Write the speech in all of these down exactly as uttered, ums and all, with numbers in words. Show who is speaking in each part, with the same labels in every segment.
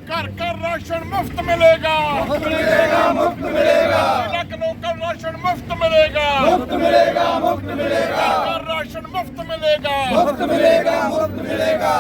Speaker 1: घर घर राशन मुफ्त मिलेगा,
Speaker 2: मुफ्त मिलेगा, मुफ्त मिलेगा,
Speaker 1: लाख लोकल राशन मुफ्त मिलेगा,
Speaker 2: मुफ्त मिलेगा, मुफ्त मिलेगा,
Speaker 1: घर राशन मुफ्त मिलेगा।
Speaker 2: मुफ्त मिलेगा, मुफ्त मिलेगा।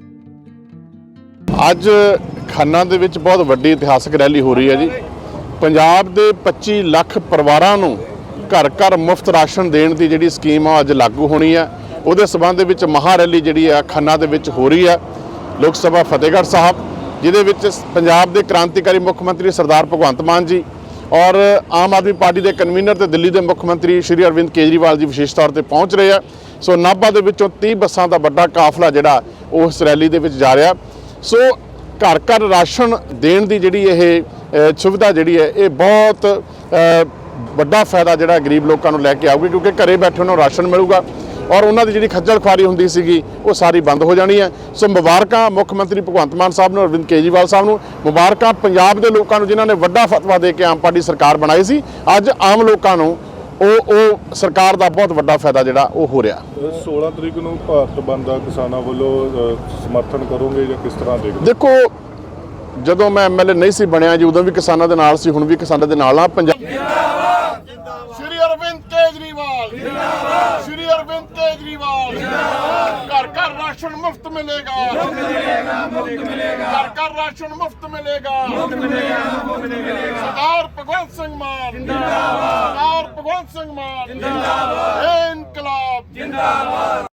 Speaker 3: ਅੱਜ ਖੰਨਾ ਦੇ ਵਿੱਚ ਬਹੁਤ ਵੱਡੀ ਇਤਿਹਾਸਕ ਰੈਲੀ ਹੋ ਰਹੀ ਹੈ ਜੀ। ਪੰਜਾਬ ਦੇ ਪੱਚੀ ਲੱਖ ਪਰਿਵਾਰਾਂ ਨੂੰ ਘਰ ਘਰ ਮੁਫਤ ਰਾਸ਼ਨ ਦੇਣ ਦੀ ਜਿਹੜੀ ਸਕੀਮ ਆ ਅੱਜ ਲਾਗੂ ਹੋਣੀ ਹੈ। ਉਹਦੇ ਸਬੰਧ ਦੇ ਵਿੱਚ ਮਹਾ ਰੈਲੀ ਜਿਹੜੀ ਆ ਖੰਨਾ ਦੇ ਵਿੱਚ ਹੋ ਰਹੀ ਹੈ ਲੋਕ ਸਭਾ ਫਤਿਹਗੜ੍ਹ ਸਾਹਿਬ, ਜਿਹਦੇ ਵਿੱਚ ਪੰਜਾਬ ਦੇ ਕ੍ਰਾਂਤੀਕਾਰੀ ਮੁੱਖ ਮੰਤਰੀ ਸਰਦਾਰ ਭਗਵੰਤ ਮਾਨ ਜੀ ਔਰ ਆਮ ਆਦਮੀ ਪਾਰਟੀ ਦੇ ਕਨਵੀਨਰ ਤੇ ਦਿੱਲੀ ਦੇ ਮੁੱਖ ਮੰਤਰੀ ਸ਼੍ਰੀ ਅਰਵਿੰਦ ਕੇਜਰੀਵਾਲ ਜੀ ਵਿਸ਼ੇਸ਼ ਤੌਰ ਤੇ ਪਹੁੰਚ ਰਹੇ ਆ। ਸੋ ਨਾਭਾ ਦੇ ਵਿੱਚੋਂ ਤੀਹ ਬੱਸਾਂ ਦਾ ਵੱਡਾ ਕਾਫਲਾ ਜਿਹੜਾ ਉਸ ਰੈਲੀ ਦੇ ਵਿੱਚ ਜਾ ਰਿਹਾ। ਸੋ ਘਰ ਘਰ ਰਾਸ਼ਨ ਦੇਣ ਦੀ ਜਿਹੜੀ ਇਹ ਸੁਵਿਧਾ ਜਿਹੜੀ ਹੈ ਇਹ ਬਹੁਤ ਵੱਡਾ ਫਾਇਦਾ ਜਿਹੜਾ ਗਰੀਬ ਲੋਕਾਂ ਨੂੰ ਲੈ ਕੇ ਆਊਗੀ, ਕਿਉਂਕਿ ਘਰੇ ਬੈਠੇ ਉਹਨਾਂ ਨੂੰ ਰਾਸ਼ਨ ਮਿਲੂਗਾ ਔਰ ਉਹਨਾਂ ਦੀ ਜਿਹੜੀ ਖੱਜਲ ਖੁਆਰੀ ਹੁੰਦੀ ਸੀਗੀ ਉਹ ਸਾਰੀ ਬੰਦ ਹੋ ਜਾਣੀ ਹੈ। ਸੋ ਮੁਬਾਰਕਾਂ ਮੁੱਖ ਮੰਤਰੀ ਭਗਵੰਤ ਮਾਨ ਸਾਹਿਬ ਨੂੰ, ਅਰਵਿੰਦ ਕੇਜਰੀਵਾਲ ਸਾਹਿਬ ਨੂੰ, ਮੁਬਾਰਕਾਂ ਪੰਜਾਬ ਦੇ ਲੋਕਾਂ ਨੂੰ ਜਿਨ੍ਹਾਂ ਨੇ ਵੱਡਾ ਫਤਵਾ ਦੇ ਕੇ ਆਮ ਪਾਰਟੀ ਸਰਕਾਰ ਬਣਾਈ ਸੀ। ਅੱਜ ਆਮ ਲੋਕਾਂ ਨੂੰ ਉਹ ਉਹ ਸਰਕਾਰ ਦਾ ਬਹੁਤ ਵੱਡਾ ਫਾਇਦਾ ਜਿਹੜਾ ਉਹ ਹੋ ਰਿਹਾ।
Speaker 4: सोलह तरीक ਨੂੰ ਭਾਰਤ ਬੰਦ ਦਾ ਕਿਸਾਨਾਂ ਵੱਲੋਂ ਸਮਰਥਨ ਕਰੋਗੇ ਜਾਂ ਕਿਸ ਤਰ੍ਹਾਂ ਦੇਖਦੇ?
Speaker 3: ਦੇਖੋ, ਜਦੋਂ ਮੈਂ ਐਮਐਲਏ ਨਹੀਂ ਸੀ ਬਣਿਆ ਜੀ ਉਦੋਂ ਵੀ ਕਿਸਾਨਾਂ ਦੇ ਨਾਲ ਸੀ, ਹੁਣ ਵੀ ਕਿਸਾਨਾਂ ਦੇ ਨਾਲ ਆ। ਪੰਜਾਬ
Speaker 1: श्री अरविंद केजरीवाल जिंदाबाद, श्री अरविंद केजरीवाल जिंदाबाद। घर घर राशन मुफ्त मिलेगा, मुफ्त मिलेगा, मुफ्त मिलेगा, घर घर राशन मुफ्त मिलेगा, मुफ्त मिलेगा, मुफ्त मिलेगा। सरदार भगवंत सिंह मान जिंदाबाद, सरदार भगवंत सिंह मान जिंदाबाद, इनकलाब जिंदाबाद।